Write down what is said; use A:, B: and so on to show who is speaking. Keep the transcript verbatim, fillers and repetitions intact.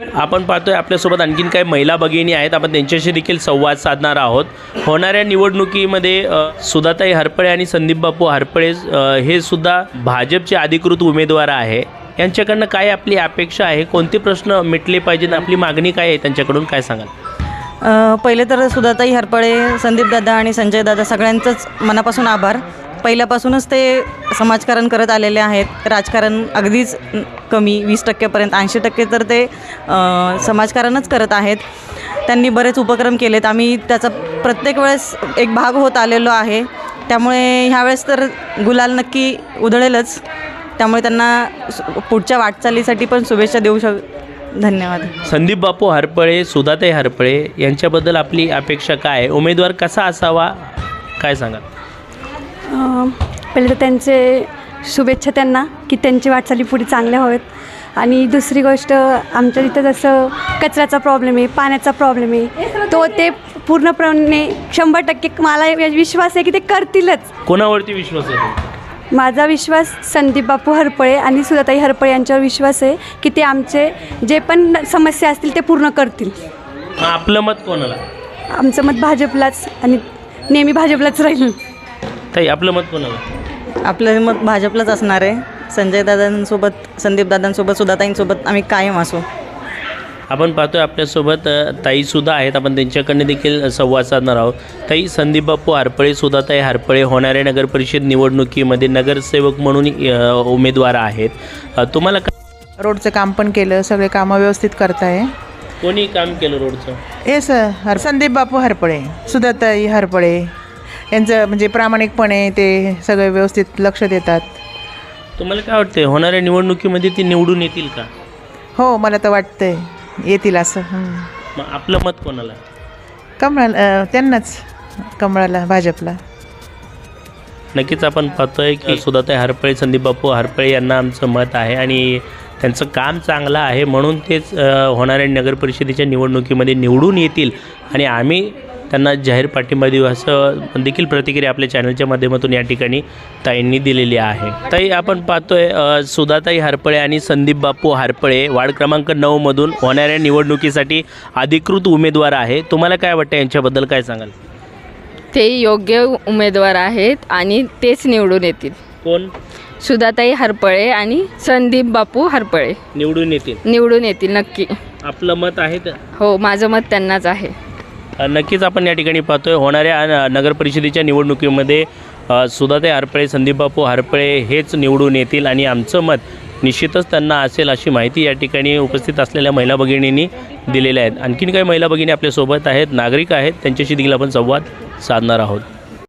A: आपण पाहतोय आपल्यासोबत आणखीन काही महिला भगिनी आहेत, आपण त्यांच्याशी देखील संवाद साधणार आहोत। होणाऱ्या निवडणुकीमध्ये सुधाताई हरपळे आणि संदीप बापू हरपळे हे सुद्धा भाजपचे अधिकृत उमेदवार आहे। यांच्याकडनं काय आपली अपेक्षा आहे, कोणते प्रश्न मिटले पाहिजेत, आपली मागणी काय आहे, त्यांच्याकडून काय सांगाल?
B: पहिले तर सुधाताई हरपळे, संदीप दादा आणि संजय दादा सगळ्यांचंच मनापासून आभार। पहिल्यापासूनच ते समाजकारण करत आलेले आहेत। राजकारण अगदीच कमी वीस टक्क्यापर्यंत ऐंशी टक्के तर ते समाजकारणच करत आहेत। त्यांनी बरेच उपक्रम केलेत, आम्ही त्याचा प्रत्येक वेळेस एक भाग होत आलेलो आहे। त्यामुळे ह्यावेळेस तर गुलाल नक्की उधळेलच, त्यामुळे त्यांना पुढच्या वाटचालीसाठी पण शुभेच्छा देऊ शक धन्यवाद।
A: संदीप बापू हरपळे, सुधाताई हरपळे यांच्याबद्दल आपली अपेक्षा काय आहे, उमेदवार कसा असावा, काय सांगा?
C: पहिले तर त्यांचे शुभेच्छा त्यांना की त्यांची वाटचाली पुढे चांगल्या हवेत। आणि दुसरी गोष्ट, आमच्या तिथं जसं कचऱ्याचा प्रॉब्लेम आहे, पाण्याचा प्रॉब्लेम आहे, तो ते पूर्णपणे शंभर टक्के मला विश्वास आहे की ते करतीलच।
A: कोणावरती विश्वास आहे?
C: माझा विश्वास संदीप बापू हरपळे आणि सुधाताई हरपळे यांच्यावर विश्वास आहे की ते आमचे जे पण समस्या असतील ते पूर्ण करतील।
A: आपलं मत कोणाला?
C: आमचं मत भाजपलाच आणि नेहमी भाजपलाच राहील।
A: ताई, आपलं मत कोणाला?
B: आपलं मत भाजपलाच असणार आहे। संजय दादांसोबत, संदीप दादांसोबत, सुधाताईंसोबत आम्ही कायम असू।
A: आपण पाहतोय आपल्यासोबत ताईसुद्धा आहेत, आपण त्यांच्याकडनं देखील संवाद साधणार आहोत। ताई, संदीप बापू हरपळे, सुधाताई हरपळे होणाऱ्या नगरपरिषद निवडणुकीमध्ये नगरसेवक म्हणून उमेदवार आहेत। तुम्हाला
D: रोडचं काम पण केलं, सगळे कामं व्यवस्थित करताय।
A: कोणी काम केलं रोडचं?
D: हे सर हर संदीप बापू हरपळे, सुधाताई हरपळे यांचं म्हणजे प्रामाणिकपणे ते सगळे व्यवस्थित लक्ष देतात।
A: तुम्हाला काय वाटते, होणाऱ्या निवडणुकीमध्ये ती निवडून येतील का?
D: हो, मला तर वाटतंय येतील असं।
A: मग आपलं मत कोणाला?
D: कमळाला, त्यांनाच, कमळाला, भाजपला।
A: नक्कीच आपण पाहतोय की सुधाताई हरपळे, संदीप बापू हरपळे यांना आमचं मत आहे आणि त्यांचं काम चांगलं आहे, म्हणून तेच होणाऱ्या नगरपरिषदेच्या निवडणुकीमध्ये निवडून येतील आणि आम्ही त्यांना जाहीर पाठिंबा देऊ, असं देखील प्रतिक्रिया आपल्या चॅनलच्या माध्यमातून या ठिकाणी ताईंनी दिलेली आहे। ताई, आपण पाहतोय सुधाताई हरपळे आणि संदीप बापू हरपळे वार्ड क्रमांक नऊमधून होणाऱ्या निवडणुकीसाठी अधिकृत उमेदवार आहे। तुम्हाला काय वाटतं, यांच्याबद्दल काय सांगाल?
E: ते योग्य उमेदवार आहेत आणि तेच निवडून येतील।
A: कोण?
E: सुधाताई हरपळे आणि संदीप बापू हरपळे
A: निवडून येतील?
E: निवडून येतील नक्की।
A: आपलं मत आहे?
E: हो, माझं मत त्यांनाच आहे।
A: नक्कीच आपण या ठिकाणी पाहतोय होणाऱ्या नगरपरिषदेच्या निवडणुकीमध्ये सुधाताई हरपळे, संदीप बापू हरपळे हेच निवडून येतील आणि आमचं मत निश्चितच त्यांना असेल, अशी माहिती या ठिकाणी उपस्थित असलेल्या महिला भगिनींनी दिलेल्या आहेत। आणखीन काही महिला भगिनी आपल्यासोबत आहेत, नागरिक आहेत, त्यांच्याशी देखील आपण संवाद साधणार आहोत।